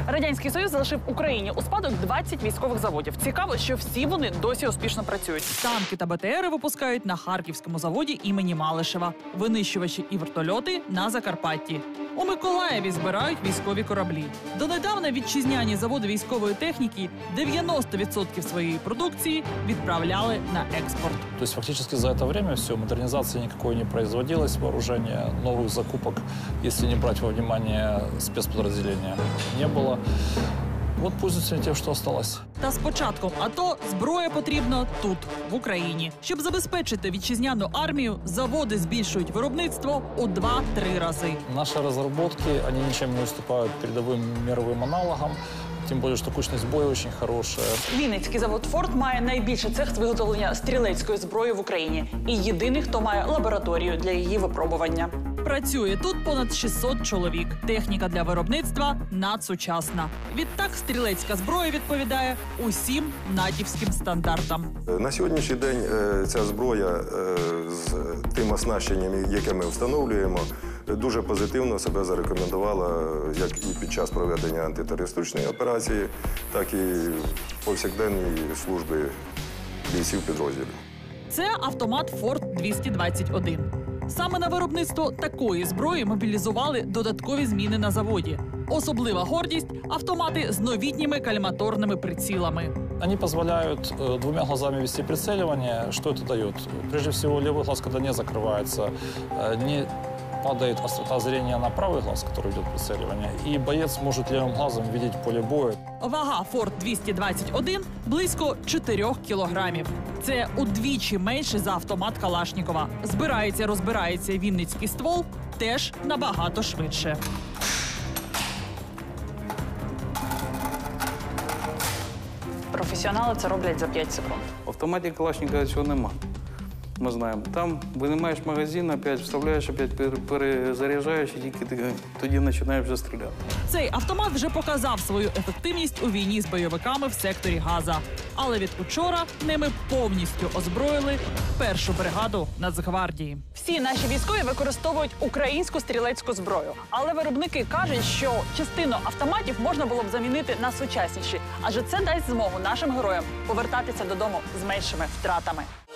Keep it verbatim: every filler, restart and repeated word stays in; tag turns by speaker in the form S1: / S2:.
S1: Радянський Союз залишив Україні у спадок двадцять військових заводів. Цікаво, що всі вони досі успішно працюють. Танки та БТРи випускають на Харківському заводі імені Малишева. Винищувачі і вертольоти – на Закарпатті. У Миколаєві збирають військові кораблі. Донедавна вітчизняні заводи військової техніки дев'яносто відсотків своєї продукції відправляли на експорт.
S2: То есть фактически за это время все, модернизации никакой не производилось, вооружения, новых закупок, если не брать во внимание спецподразделения, не было. Вот пользуются тем, что осталось.
S1: Та з початком АТО зброя потрібна тут, в Україні. Щоб забезпечити вітчизняну армію, заводи збільшують виробництво у два-три рази.
S2: Наши разработки, они ничем не уступают передовым мировым аналогам. Тим більше, що кучність бою дуже хороша.
S1: Вінницький завод «Форт» має найбільший цех з виготовлення стрілецької зброї в Україні. І єдиний, хто має лабораторію для її випробування. Працює тут понад шістсот чоловік. Техніка для виробництва надсучасна. Відтак стрілецька зброя відповідає усім натівським стандартам.
S3: На сьогоднішній день ця зброя з тим оснащенням, яке ми встановлюємо, дуже позитивно себе зарекомендувала як і під час проведення антитерористичної операції, так і повсякденній служби бійців підрозділів.
S1: Це автомат «Форт» двісті двадцять один. Саме на виробництво такої зброї мобілізували додаткові зміни на заводі. Особлива гордість – автомати з новітніми каліматорними прицілами.
S2: Они позволяют э, двумя глазами вести прицеливание. Что это дает? Прежде всего, левый глаз, когда не закрывается, э, не падает острота зрения на правый глаз, который идет прицеливание, и боец может левым глазом видеть поле боя.
S1: Вага «Форт» двісті двадцять один – близько чотирьох кілограмів. Це удвічі менше за автомат Калашнікова. Збирається, розбирається вінницький ствол теж набагато швидше. Професіонали це роблять за п'ять секунд.
S4: В автоматі Калашникова цього нема. Ми знаємо. Там винімаєш магазин, опять вставляєш, опять перезаряджаєш, і тільки тоді починаєш вже стріляти.
S1: Цей автомат вже показав свою ефективність у війні з бойовиками в секторі Газа. Але від учора ними повністю озброїли першу бригаду Нацгвардії. Всі наші військові використовують українську стрілецьку зброю. Але виробники кажуть, що частину автоматів можна було б замінити на сучасніші. Адже це дасть змогу нашим героям повертатися додому з меншими втратами.